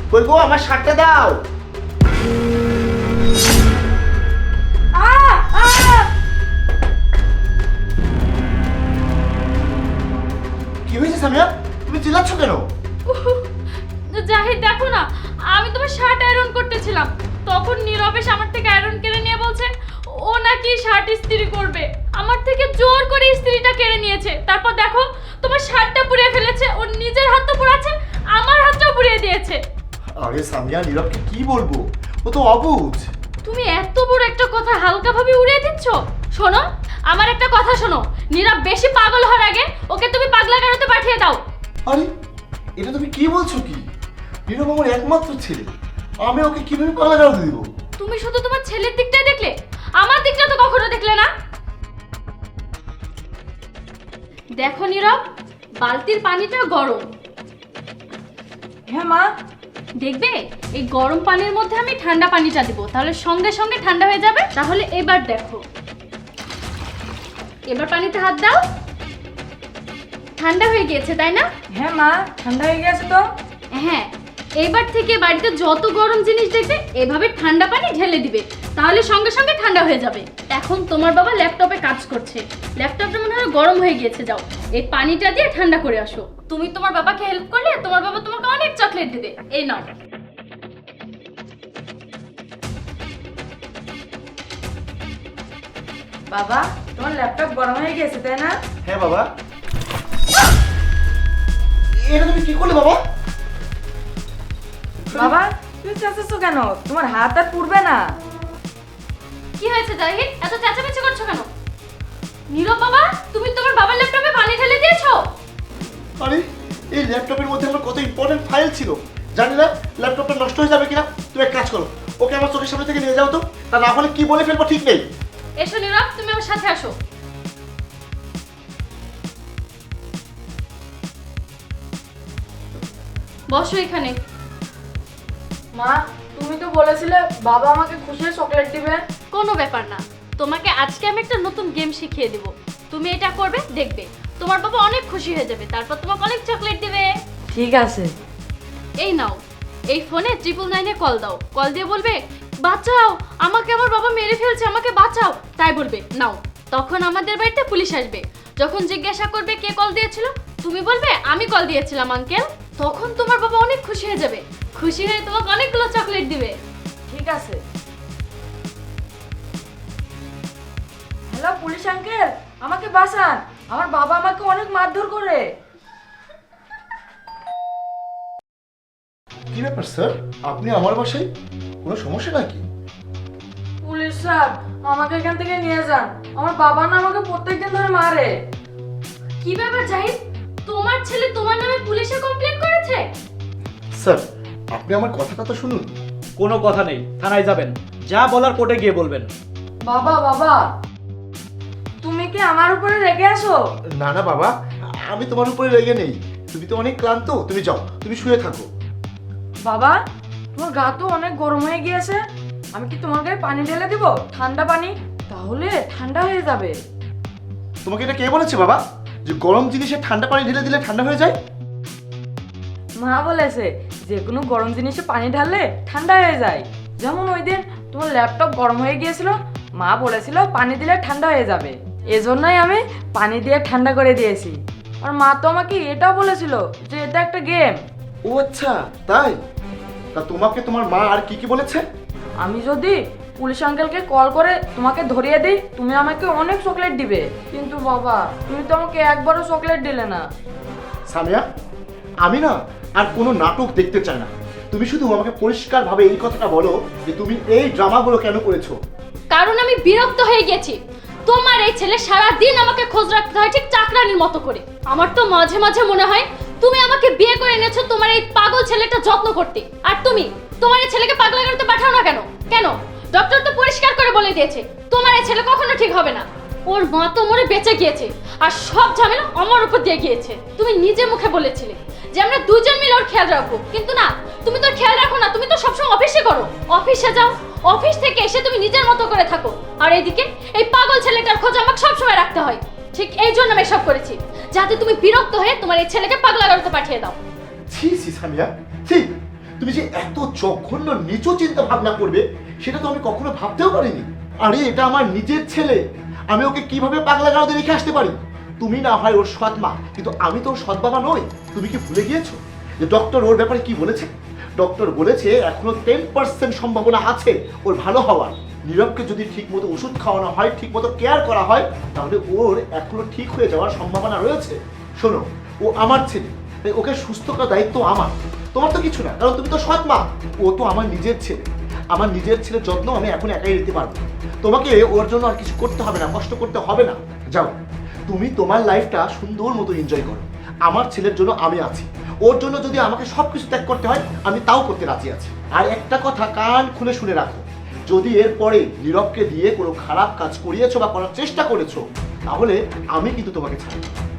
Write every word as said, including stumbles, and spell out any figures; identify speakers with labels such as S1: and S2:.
S1: কই গো আমার শার্টটা দাও। কি হয়েছে সামিয়া, তুমি চিল্লাচ্ছ কেন?
S2: জাহিদ দেখো না, আমি তোমার শার্ট আয়রন করতেছিলাম, তখন নীরব এসে আমার থেকে আয়রন কেড়ে নিয়ে বলছে ও নাকি শার্ট ইস্ত্রি করবে। আমার থেকে জোর করে ইস্ত্রিটা কেড়ে নিয়েছে। তারপর দেখো তোমার শার্টটা পুড়িয়ে ফেলেছে, ওর নিজের হাত তো পোড়াচ্ছে, আমার হাতটাও পুড়িয়ে দিয়েছে।
S1: আরে সামিয়া, নীরবকে কি বলবো, ও তো অবুঝ।
S2: তুমি এত বড় একটা কথা হালকাভাবে উড়িয়ে দিচ্ছ। শোনো, আমার একটা কথা শোনো, নীরব বেশি পাগল হওয়ার আগে ওকে তুমি পাগলা গারোতে পাঠিয়ে দাও।
S1: আরে এটা তুমি কি বলছো? কি, নীরব আমার একমাত্র ছেলে, আমি ওকে কিভাবে পাগলা গারোতে দিব?
S2: তুমি শুধু তোমার ছেলের দিকটাই দেখলে, আমার দিকটা তো কখনো দেখলে না। দেখো নীরব, বালতির পানিটা গরম।
S3: হ্যাঁ মা।
S2: দেখবে এই গরম পানির মধ্যে আমি ঠান্ডা পানিটা দিব, তাহলে সঙ্গে সঙ্গে ঠান্ডা হয়ে যাবে। তাহলে এবার দেখো, এবার পানিতে হাত দাও। ঠান্ডা হয়ে গিয়েছে তাই না?
S3: হ্যাঁ মা, ঠান্ডা হয়ে গেছে তো।
S2: হ্যাঁ, এবার থেকে বাড়িতে যত গরম জিনিস দেখবে এভাবে ঠান্ডা পানি ঢেলে দিবে, তাহলে সঙ্গে সঙ্গে ঠান্ডা হয়ে যাবে। এখন তোমার বাবা ল্যাপটপে কাজ করছে, ল্যাপটপটা মনে হয় গরম হয়ে গিয়েছে, যাও এই পানিটা দিয়ে ঠান্ডা করে আসো। তুমি তোমার বাবাকে হেল্প করলে তোমার বাবা তোমাকে অনেক চকলেট দেবে। এই নাও।
S3: বাবা, তোমার ল্যাপটপ গরম হয়ে গেছে তাই না?
S1: হ্যাঁ বাবা। এটা তুমি কি করলে বাবা?
S3: বাবা তুমি চেঁচাচ্ছ কেন? তোমার হাত আর পুড়বে না।
S2: কি হয়েছে জাহিদ, এত চেঁচামেচি করছো কেন? নীরব বাবা, তুমি তোমার বাবার ল্যাপটপে পানি ঢেলে দিয়েছো।
S1: আরে এই ল্যাপটপের মধ্যে আমার কত ইম্পর্টেন্ট ফাইল ছিল, জানি না ল্যাপটপটা নষ্ট হয়ে যাবে কিনা। তুমি এক কাজ করো, ওকে আমার চোখের সামনে থেকে নিয়ে যাও তো, তা না হলে কি বলে ফেলবো ঠিক নেই।
S2: এসো নীরব, তুমি আমার সাথে আসো। বসো এখানে।
S3: মা, তুমি তো বলেছিলে বাবা আমাকে খুশি হয়ে চকলেট দিবে।
S2: কোনো ব্যাপার না, তোমাকে আজকে আমি একটা নতুন গেম শিখিয়ে দেব, তুমি এটা করবে, দেখবে তোমার বাবা অনেক খুশি হয়ে যাবে, তারপর তোমাকে অনেক চকলেট দিবে।
S3: ঠিক আছে।
S2: এই নাও, এই ফোনে ট্রিপল নাইনে কল দাও, কল দিয়ে বলবে বাঁচাও, আমাকে আমার বাবা মেরে ফেলছে, আমাকে বাঁচাও, তাই বলবে। নাও, তখন আমাদের বাড়িতে পুলিশ আসবে, যখন জিজ্ঞাসা করবে কে কল দিয়েছিল, তুমি বলবে আমি কল দিয়েছিলাম আঙ্কেল, তখন তোমার বাবা অনেক খুশি হয়ে যাবে, খুশি হয়ে তোমাকে অনেকগুলো চকলেট দিবে।
S3: ঠিক আছে। হ্যালো পুলিশ আঙ্কেল, আমাকে বাঁচান, আমার বাবা আমাকে অনেক মারধর করে।
S1: কি ব্যাপার স্যার, আপনি আমার বাসায়, কোনো সমস্যা নাকি?
S3: পুলিশ স্যার, আমাকে এখান থেকে নিয়ে যান, আমার বাবা না আমাকে প্রত্যেকদিন ধরে মারে।
S2: কি ব্যাপার জাহিদ, তোমার ছেলে তোমার নামে পুলিশে কমপ্লেইন করেছে?
S1: স্যার আপনি আমার কথাটা তো শুনুন।
S4: কোনো কথা নেই, থানায় যাবেন, যা বলার কোর্টে গিয়ে বলবেন।
S3: বাবা বাবা, তুমি কি আমার উপরে রেগে আছো?
S1: না না বাবা, আমি তোমার উপরে রেগে নেই, তুমি তো অনেক ক্লান্ত, তুমি যাও, তুমি শুয়ে থাকো।
S3: বাবা, তোমার গা তো অনেক গরম হয়ে গিয়েছে, আমি কি তোমার গায়ে পানি ঢেলে দিব, ঠান্ডা পানি, তাহলে ঠান্ডা হয়ে যাবে।
S1: তোমাকে এটা কে বলেছে বাবা, যে গরম জিনিসে ঠান্ডা পানি ঢেলে দিলে ঠান্ডা হয়ে যায়?
S3: মা বলেছে যে কোনো গরম জিনিসে পানি ঢাললে ঠান্ডা হয়ে যায়। যেমন ওই দিন তোমার ল্যাপটপ গরম হয়ে গিয়েছিল, মা বলেছিল পানি দিলে ঠান্ডা হয়ে যাবে, এজন্যই আমি পানি দিয়ে ঠান্ডা করে দিয়েছি। আর মা তো আমাকে এটাও বলেছিল যে এটা একটা গেম।
S1: ও আচ্ছা তাই, তা তোমাকে তোমার মা আর কি কি বলেছে?
S3: আমি যদি পুলিশ আঙ্কেলকে কল করে তোমাকে ধরিয়ে দিই, তুমি আমাকে অনেক চকলেট দিবে। কিন্তু বাবা, তুমি তো আমাকে একবারও চকলেট দিলে না।
S1: সামিয়া, আমি না আর কোনো নাটক দেখতে চাই না, তুমি শুধু আমাকে পরিষ্কারভাবে এই কথাটা বলো যে তুমি এই ড্রামাগুলো কেন করেছো।
S2: কারণ আমি বিরক্ত হয়ে গেছি, তোমার এই ছেলে সারা দিন আমাকে খোঁজ রাখতে হয় ঠিক চাকরানির মতো করে। আমার তো মাঝে মাঝে মনে হয় তুমি আমাকে বিয়ে করে এনেছো তোমার এই পাগল ছেলেটা যত্ন করতে, আর তুমি তোমার এই ছেলেকে পাগলা করতে পাঠাও না কেন? কেন? ডক্টর তো পরিষ্কার করে বলে দিয়েছে তোমার এই ছেলে কখনো ঠিক হবে না, ওর মা তো মরে বেঁচে গিয়েছে, আর সব ঝামেলা আমার উপর দিয়ে গিয়েছে। তুমি নিজে মুখে বলেছিলে যে আমরা দুজন মিলে ওর খেয়াল রাখবো, কিন্তু না, তুমি তো খেয়াল রাখো না, তুমি তো সবসময় অফিসে করো, অফিসে যাও, অফিস থেকে এসে তুমি নিজের মতো করে থাকো, আর এইদিকে এই পাগল ছেলেটার খোঁজ আমাকে সবসময় রাখতে হয়। ঠিক এই জন্য আমি এসব করেছি, যাতে তুমি বিরক্ত হয়ে তোমার এই ছেলেকে পাগলা করতে পাঠিয়ে দাও।
S1: ছি ছি সামিয়া, ছি, তুমি যে এত জঘন্য নিচু চিন্তা ভাবনা করবে সেটা তো আমি কখনো ভাবতেও পারিনি। আরে এটা আমার নিজের ছেলে, আমি ওকে কিভাবে পাগলা গারদে রেখে আসতে পারি? তুমি না হয় ওর সৎ মা, কিন্তু আমি তো ওর সৎ বাবা নই। তুমি কি ভুলে গিয়েছো যে ডক্টর ওর ব্যাপারে কি বলেছে? ডক্টর বলেছে এখনো টেন পার্সেন্ট সম্ভাবনা আছে ওর ভালো হওয়ার। নীরবকে যদি ঠিক মতো ওষুধ খাওয়ানো হয়, ঠিক মতো কেয়ার করা হয়, তাহলে ওর এখনো ঠিক হয়ে যাওয়ার সম্ভাবনা রয়েছে। শোনো, ও আমার ছেলে, তাই ওকে সুস্থ করার দায়িত্ব আমার, তোমার তো কিছু না, কারণ তুমি তো সৎ মা। ও তো আমার নিজের ছেলে, আমার নিজের ছেলের যত্ন আমি এখন একাই নিতে পারবো। তোমাকে ওর জন্য আর কিছু করতে হবে না, কষ্ট করতে হবে না। যাও, তুমি তোমার লাইফটা সুন্দর মতো এনজয় করো। আমার ছেলের জন্য আমি আছি, ওর জন্য যদি আমাকে সব কিছু ত্যাগ করতে হয় আমি তাও করতে রাজি আছি। আর একটা কথা কান খুলে শুনে রাখো, যদি এরপরে নীরবকে দিয়ে কোনো খারাপ কাজ করিয়েছো বা করার চেষ্টা করেছো, তাহলে আমি কিন্তু তোমাকে ছাড়ব।